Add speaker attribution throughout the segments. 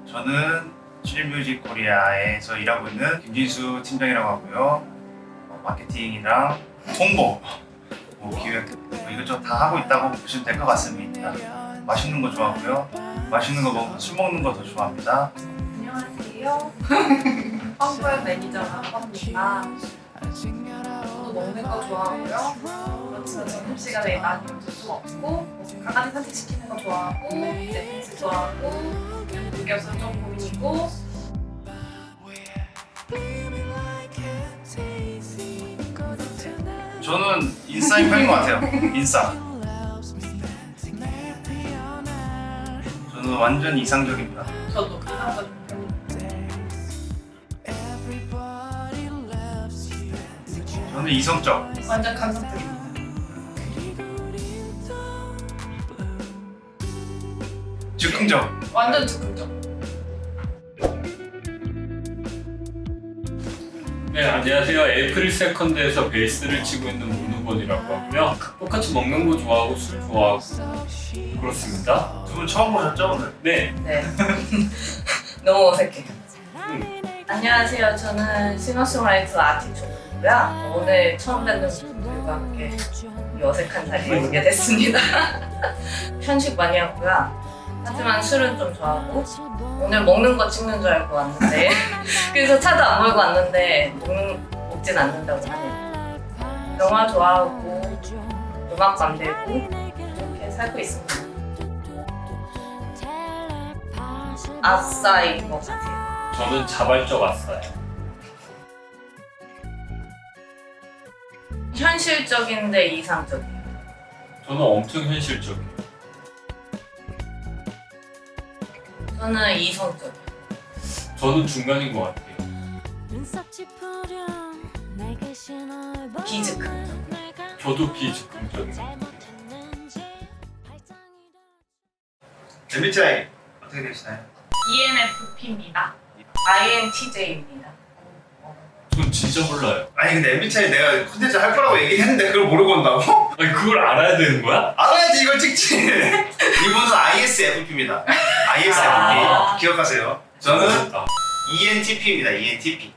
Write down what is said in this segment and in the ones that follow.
Speaker 1: 저는 칠뮤직 코리아에서 일하고 있는 김진수 팀장이라고 하고요. 마케팅이랑 홍보, 기획 이것저것 다 하고 있다고 보시면 될 것 같습니다. 맛있는 거 좋아하고요. 맛있는 거 먹고 술 먹는 거 더 좋아합니다.
Speaker 2: 안녕하세요. 황보의 매니저라고 합니다. 저도 먹는 거 좋아하고요. 그렇지만 점심시간에 많이 먹을 수 없고 강아지 산책시키는 거 좋아하고 넷플릭스 좋아하고 유격수 좀 고민이고
Speaker 1: 저는 인싸인 편인 것 같아요. 인싸. 저는 완전 이상적입니다.
Speaker 2: 저도 이상적인 편입니다.
Speaker 1: 저는 이성적.
Speaker 2: 완전 감성적입니다.
Speaker 1: 즉흥적.
Speaker 2: 완전 즉흥적.
Speaker 3: 네, 안녕하세요. 에이프릴 세컨드에서 베이스를 치고 있는 문우건이라고 하고요. 똑같이 먹는 거 좋아하고 술 좋아하고 그렇습니다.
Speaker 1: 두 분 처음 보셨죠 오늘?
Speaker 3: 네,
Speaker 2: 네. 너무 어색해.
Speaker 3: 음.
Speaker 2: 안녕하세요. 저는 싱어송라이터 아티초고요. 오늘 처음 뵙는 분들과 함께 이 어색한 자리에 오게 됐습니다. 편식 많이 하고요. 하지만 술은 좀 좋아하고 오늘 먹는 거 찍는 줄 알고 왔는데 그래서 차도 안 몰고 왔는데 먹진 않는다고 하네요. 영화 좋아하고 음악 만들고 이렇게 살고 있습니다. 아싸인 것 같아요.
Speaker 3: 저는 자발적 아싸예요.
Speaker 2: 현실적인데 이상적이에요.
Speaker 3: 저는 엄청 현실적이에요.
Speaker 2: 저는 이성적이에요.
Speaker 3: 저는 중간인 것 같아요.
Speaker 2: 비즉흥적.
Speaker 3: 저도 비즉흥적인 것 같아요.
Speaker 1: MBTI 어떻게 되시나요?
Speaker 2: ENFP입니다. INTJ입니다.
Speaker 3: 전 진짜 몰라요.
Speaker 1: 아니 근데 MBTI 내가 콘텐츠 할 거라고 얘기했는데 그걸 모르고 온다고?
Speaker 3: 아니 그걸 알아야 되는 거야?
Speaker 1: 알아야지 이걸 찍지. 이분은 ISFP입니다. ISFP
Speaker 2: 아.
Speaker 1: 기억하세요. 저는
Speaker 3: 아,
Speaker 1: ENTP입니다. ENTP.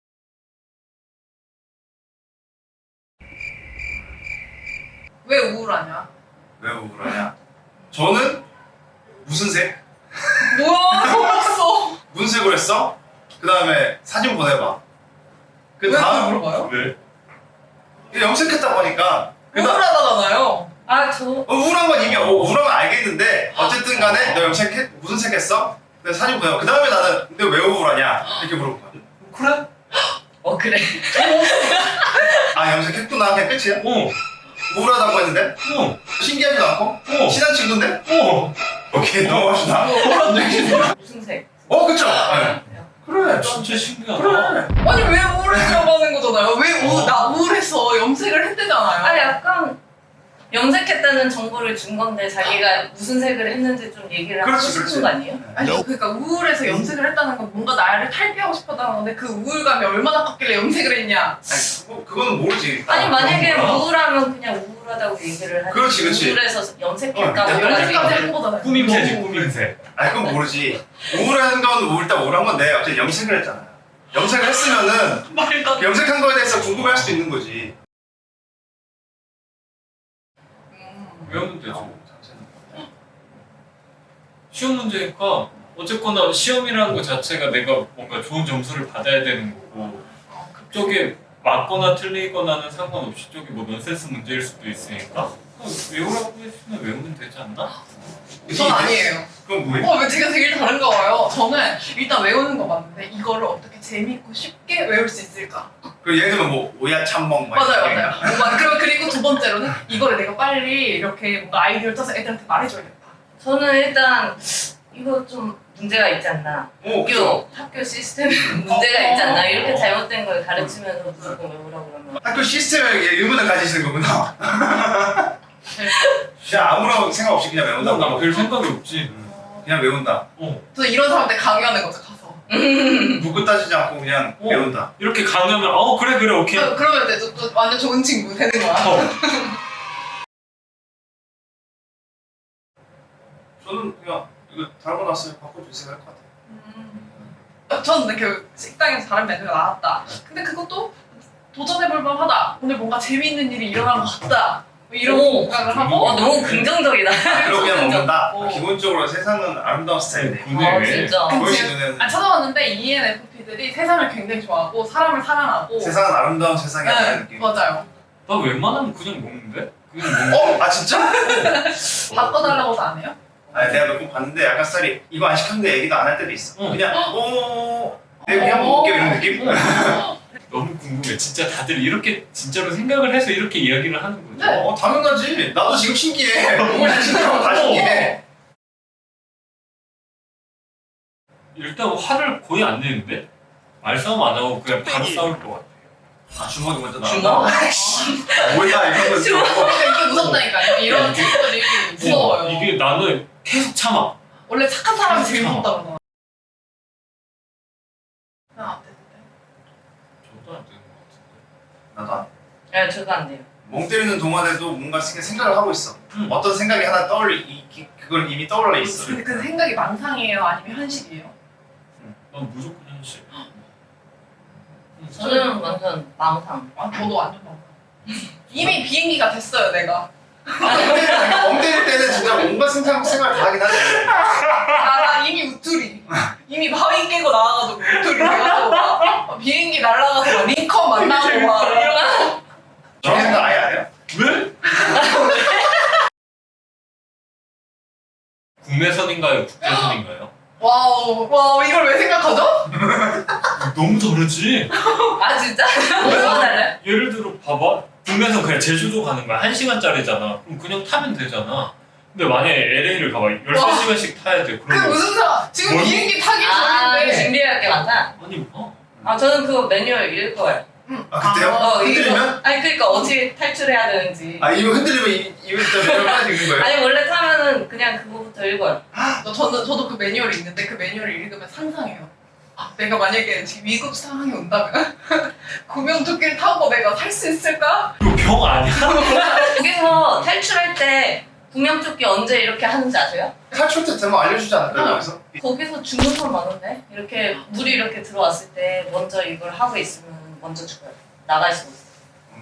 Speaker 2: 왜 우울하냐?
Speaker 1: 왜 우울하냐? 저는 무슨 색?
Speaker 2: 뭐야? 속았어.
Speaker 1: 무슨 색으로 했어? 그 다음에 사진 보내봐. 그 다음
Speaker 2: 물어봐요?
Speaker 3: 왜?
Speaker 1: 염색했다 보니까 그 다음
Speaker 2: 우울하다잖아요. 아, 저
Speaker 1: 우울한 건 이미 우울한 건 알겠는데 어쨌든 간에 너 염색해 무슨 색 했어? 근데 사진 보내봐. 그 다음에 나는 근데 왜 우울하냐? 이렇게 물어본 거야.
Speaker 3: 그래?
Speaker 2: 그래.
Speaker 1: 아 염색했구나 그냥 끝이야?
Speaker 3: 어,
Speaker 1: 우울하다고 했는데?
Speaker 3: 어,
Speaker 1: 신기하지도 않고?
Speaker 3: 어.
Speaker 1: 친한 친구인데?
Speaker 3: 어.
Speaker 1: 오케이 넘어갑시다.
Speaker 2: 무슨 색?
Speaker 1: 그쵸? 네. 그래
Speaker 3: 진짜 신기하다.
Speaker 1: 그래.
Speaker 4: 아니 왜 우울했냐고 하는 거잖아요. 왜 나 우울해서 염색을 했대잖아요.
Speaker 2: 아, 약간 염색했다는 정보를 준 건데 자기가 무슨 색을 했는지 좀 얘기를 하고
Speaker 1: 그렇지,
Speaker 2: 싶은
Speaker 1: 그렇지.
Speaker 2: 거 아니에요?
Speaker 4: 아니 그러니까 우울해서 염색을 했다는 건 뭔가 나를 탈피하고 싶었다는 건데 그 우울감이 얼마나 컸길래 염색을 했냐.
Speaker 1: 아니 그거는 모르지.
Speaker 2: 아니 만약에
Speaker 1: 그런 거야.
Speaker 2: 우울하면 그냥 우울하다고 얘기를 하지.
Speaker 1: 그렇지, 그렇지.
Speaker 2: 우울해서 염색했다고
Speaker 4: 염색까지
Speaker 2: 하지.
Speaker 4: 한 거잖아요.
Speaker 3: 꾸밈새지 꾸밈새.
Speaker 1: 아니 그건 모르지. 우울한 건 우울한 건데 어쨌든 염색을 했잖아요. 염색을 했으면은
Speaker 4: 말도 안 돼.
Speaker 1: 염색한 거에 대해서 궁금해할 수도 있는 거지.
Speaker 3: 외우면 되죠. 시험 문제니까 어쨌거나 시험이라는 것 자체가 내가 뭔가 좋은 점수를 받아야 되는 거고 저게 맞거나 틀리거나는 상관없이 저게 뭐 넌센스 문제일 수도 있으니까 외우라고 했으면 외우면 되지 않나?
Speaker 4: 전 아니에요.
Speaker 1: 그건 뭐예요?
Speaker 4: 왜 제가 되게 다른가 봐요. 저는 일단 외우는 거 맞는데 이거를 어떻게 재밌고 쉽게 외울 수 있을까?
Speaker 1: 그 예를 들면 뭐 오야 참먹
Speaker 4: 맞아요. 그리고 두 번째로는 이거를 내가 빨리 이렇게 뭔가 아이디어를 짜서 애들한테 말해줘야겠다.
Speaker 2: 저는 일단 이거 좀 문제가 있지 않나. 학교 시스템에 문제가 있지 않나. 이렇게 잘못된 걸 가르치면서 무조건 외우라고 그러면.
Speaker 1: 학교 시스템에 의문을 가지시는 거구나. 그냥 아무런 생각 없이 그냥
Speaker 3: 나
Speaker 1: 외운다고.
Speaker 3: 별 생각이 없지.
Speaker 1: 그냥 외운다.
Speaker 4: 저 이런 사람한테 강요하는 거죠 가서.
Speaker 1: 묻고 따지지 않고 그냥 외운다.
Speaker 3: 이렇게 강요하면 그래 오케이.
Speaker 4: 그러면 이제 또 완전 좋은 친구 되는 거야.
Speaker 1: 저는 그냥 이거 달고 났어요. 바꿔주세요 할 것 같아요.
Speaker 4: 저는 그 식당에서 다른 메뉴가 나왔다. 근데 그것도 도전해볼 만하다. 오늘 뭔가 재미있는 일이 일어난 것 같다. 뭐 이런
Speaker 2: 오.
Speaker 4: 생각을 하고
Speaker 2: 너무 긍정적이다.
Speaker 1: 그렇게 그냥 먹는다.
Speaker 4: 어.
Speaker 1: 기본적으로 세상은 아름다운 스타일이네.
Speaker 3: 군에
Speaker 2: 진짜.
Speaker 1: 보이 씨 눈에는
Speaker 4: 찾아봤는데 ENFP들이 세상을 굉장히 좋아하고 사람을 사랑하고
Speaker 1: 세상은 아름다운 세상이라는
Speaker 4: 네,
Speaker 1: 느낌.
Speaker 4: 맞아요.
Speaker 3: 나 웬만하면 그냥 먹는데? 그냥 먹는
Speaker 1: 아 진짜?
Speaker 4: 바꿔달라고도 안 해요?
Speaker 1: 아니 내가 몇 번 봤는데 약간 스타일이 이거 안 시켰는데 얘기도 안 할 때도 있어.
Speaker 3: 응.
Speaker 1: 그냥 내가 그냥 먹을게 이런 느낌?
Speaker 3: 너무 궁금해. 진짜 다들 이렇게 진짜로 생각을 해서 이렇게 이야기를 하는 거죠?
Speaker 4: 네.
Speaker 1: 당연하지. 나도 지금 신기해. 너무 신기하고 다 신기해.
Speaker 3: 일단 화를 거의 안 내는데? 말싸움 안 하고 그냥 바로 싸울 것 같아요.
Speaker 1: 아 주먹이 먼저
Speaker 2: 주먹?
Speaker 1: 나와. 뭐야 이런 거
Speaker 2: 주먹.
Speaker 4: 그러니까 이게 무섭다니까요. 이런 친구들이 무서워요.
Speaker 3: 이게 나는 계속 참아.
Speaker 4: 원래 착한 사람이 제일
Speaker 3: 참.
Speaker 4: 무섭다 그러잖아. 안 되는데.
Speaker 3: 저도 안 되는 것 같은데.
Speaker 1: 나도 안.
Speaker 2: 네, 저도 안 돼요.
Speaker 1: 멍 때리는 동안에도 뭔가 생각을 하고 있어. 어떤 생각이 하나 그걸 이미 떠올라 있어.
Speaker 4: 근데 그 생각이 망상이에요? 아니면 현실이에요?
Speaker 3: 난 무조건 현실.
Speaker 2: 저는 완전 망상.
Speaker 4: 아, 저도 완전 망상. 이미 비행기가 됐어요, 내가.
Speaker 1: 멍 때릴 때는 진짜 뭔가 생각 다 하긴 하지.
Speaker 4: 나 이미 우투리. 이미 바위 깨고 나와가지고 우투리 돼가지고 막 비행기 날아가서 막 링컨 만나고 막 이러고.
Speaker 1: 저런 생각 아예 안 해요?
Speaker 3: 왜? 국내선인가요? 국제선인가요?
Speaker 4: 와우, 이걸 왜 생각하죠?
Speaker 3: 너무 다르지?
Speaker 2: 아 진짜? 뭐가 달라요?
Speaker 3: 예를 들어 봐봐. 국내선 그냥 제주도 가는 거야. 1시간짜리잖아. 그럼 그냥 타면 되잖아. 근데 만약에 LA를 가봐. 13시간씩 타야 돼.
Speaker 4: 그
Speaker 3: 그러면
Speaker 4: 무슨 상관? 지금
Speaker 3: 뭘?
Speaker 4: 비행기 타기
Speaker 2: 아
Speaker 4: 전인데.
Speaker 2: 준비해야 할 게 많다.
Speaker 3: 아니
Speaker 2: 아 저는 그거 매뉴얼 읽을 거예요.
Speaker 1: 아 그때요? 흔들리면?
Speaker 2: 아니 그러니까 어떻게 탈출해야 되는지.
Speaker 1: 아 이거 흔들리면 입에 진짜 매력 빠져 있는 거예요?
Speaker 2: 아니 원래 타면은 그냥 그거부터 읽어요.
Speaker 4: 저도 그 매뉴얼이 있는데 그 매뉴얼을 읽으면 상상해요. 아, 내가 만약에 지금 위급 상황이 온다면 구명조끼를 타고 내가 살 수 있을까?
Speaker 3: 이거 병 아니야?
Speaker 2: 거기서 탈출할 때 구명조끼 언제 이렇게 하는지 아세요?
Speaker 1: 탈출 때 되면 알려주지 않을까요?
Speaker 4: 응.
Speaker 1: 거기서?
Speaker 2: 거기서 죽는 건 많은데 이렇게 물이 이렇게 들어왔을 때 먼저 이걸 하고 있으면 먼저 죽어요. 나갈 수 있어.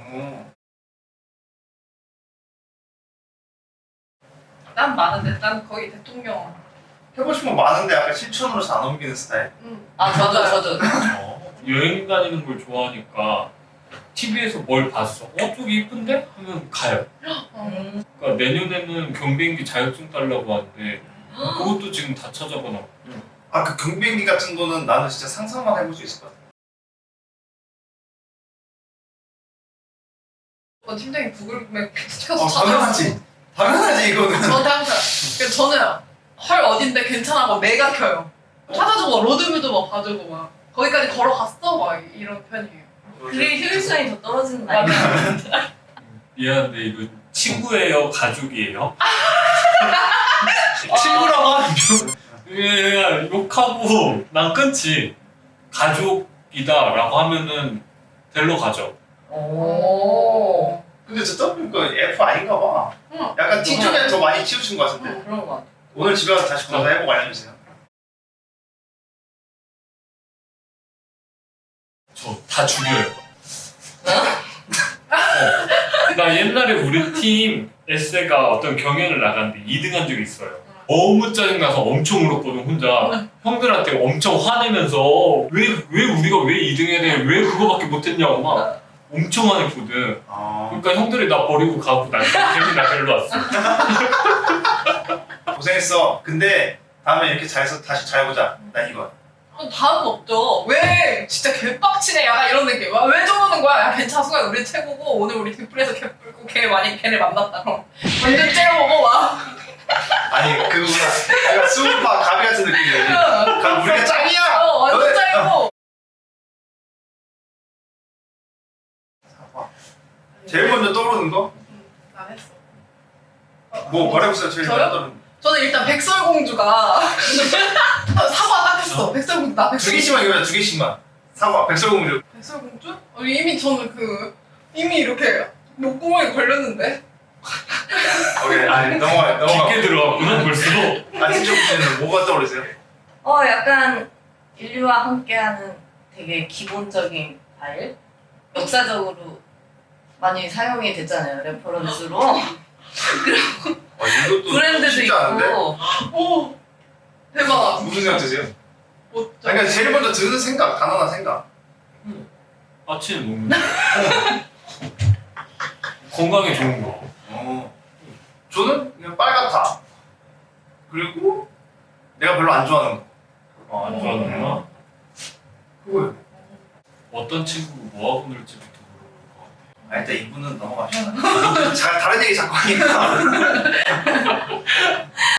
Speaker 4: 난 많은데 난 거의 대통령.
Speaker 1: 해보고 싶은 거 많은데 약간 실천으로서 안 옮기는 스타일.
Speaker 2: 아
Speaker 4: 맞아요.
Speaker 2: 저도.
Speaker 3: 여행 다니는 걸 좋아하니까 TV에서 뭘 봤어. 저기 이쁜데? 하면 가요. 그러니까 내년에는 경비행기 자격증 따려고 하는데 그것도 지금 다 찾아보나.
Speaker 1: 아 그 경비행기 같은 거는 나는 진짜 상상만 해볼 수 있을 것 같아.
Speaker 4: 팀장이 구글맵 시켜서
Speaker 1: 당연하지. 당연하지 이거는.
Speaker 4: 저한테 항상 그러니까 저는 헐 어딘데 괜찮아고 내가 켜요. 찾아주고 로드뷰도 막 봐주고 막 거기까지 걸어갔어 막 이런 편이에요.
Speaker 2: 그게 효율성이 더 떨어지는 거 아니야?
Speaker 3: 미안한데 이거 친구예요? 가족이에요? 친구라고 하면 그냥 욕하고 난 끊지. 가족이다 라고 하면은 데리러 가죠.
Speaker 2: 오.
Speaker 1: 근데 듣다 보니까 F 아닌가 봐.
Speaker 4: 응.
Speaker 1: 약간 T 쪽에 더 많이 치우친 것 같은데.
Speaker 2: 그런 거 같아.
Speaker 1: 오늘 집에 가서 다시 검사해보고 알려주세요.
Speaker 3: 저 다 죽여요. 나 옛날에 우리 팀 에세가 어떤 경연을 나갔는데 2등한 적이 있어요. 너무 짜증나서 엄청 울었거든 혼자. 형들한테 엄청 화내면서 왜 우리가 왜 2등 해야 돼? 왜 그거밖에 못했냐고 막 엄청 화냈거든. 그러니까 형들이 나 버리고 가고 나 괜히 나 데리러 왔어.
Speaker 1: 고생했어. 근데 다음에 이렇게 잘해서 다시 잘해보자. 난 이거.
Speaker 4: 다음 없죠. 왜 진짜 개빡치네 약간 이런 느낌. 왜 저러는 거야? 야 괜찮아 수가 우리 최고고 오늘 우리 뒷불에서 개 불고 걔를 만났다 그럼 완전 째려보고 막
Speaker 1: 아니 그거구나. 약간 수우파 가비 같은 느낌이야. 그럼 우리가 짱이야.
Speaker 4: 완전
Speaker 1: 너네-
Speaker 4: 째려고.
Speaker 1: 제일 먼저 떠오르는 거?
Speaker 4: 안 했어.
Speaker 1: 뭐 말해보세요. 제일
Speaker 4: 저요?
Speaker 1: 먼저 떠오르는 거.
Speaker 4: 저는 일단 백설공주가 사과 딱 했어. 백설공주 나
Speaker 1: 두
Speaker 4: 백설공주.
Speaker 1: 개씩만 이거야. 두 개씩만. 사과, 백설공주.
Speaker 4: 백설공주? 이미 저는 이미 이렇게 목구멍에 걸렸는데.
Speaker 1: 오케이. 아니 넘어가요.
Speaker 3: 깊게 들어갔구나 벌써.
Speaker 1: 안티쪽 씨는 뭐가 떠오르세요?
Speaker 2: 약간 인류와 함께하는 되게 기본적인 파일? 역사적으로 많이 사용이 됐잖아요, 레퍼런스로.
Speaker 5: 이것도
Speaker 2: 브랜드도
Speaker 5: 쉽지 않은데?
Speaker 2: 있고.
Speaker 4: 오 대박.
Speaker 5: 무슨 생각 드세요?
Speaker 4: 뭐,
Speaker 5: 그러니까 제일 먼저 드는 생각, 단어나 생각.
Speaker 3: 아침에 먹는 거. 건강에 좋은 거.
Speaker 5: 저는 그냥 빨갛다. 그리고 내가 별로 안 좋아하는 거.
Speaker 3: 안 좋아하는구나.
Speaker 5: 그거예요.
Speaker 3: 어떤 친구가 뭐하고 놀지부터 물어볼 것 같아.
Speaker 1: 일단 이분은 넘어갑시다. 다른 얘기 자꾸 하니까.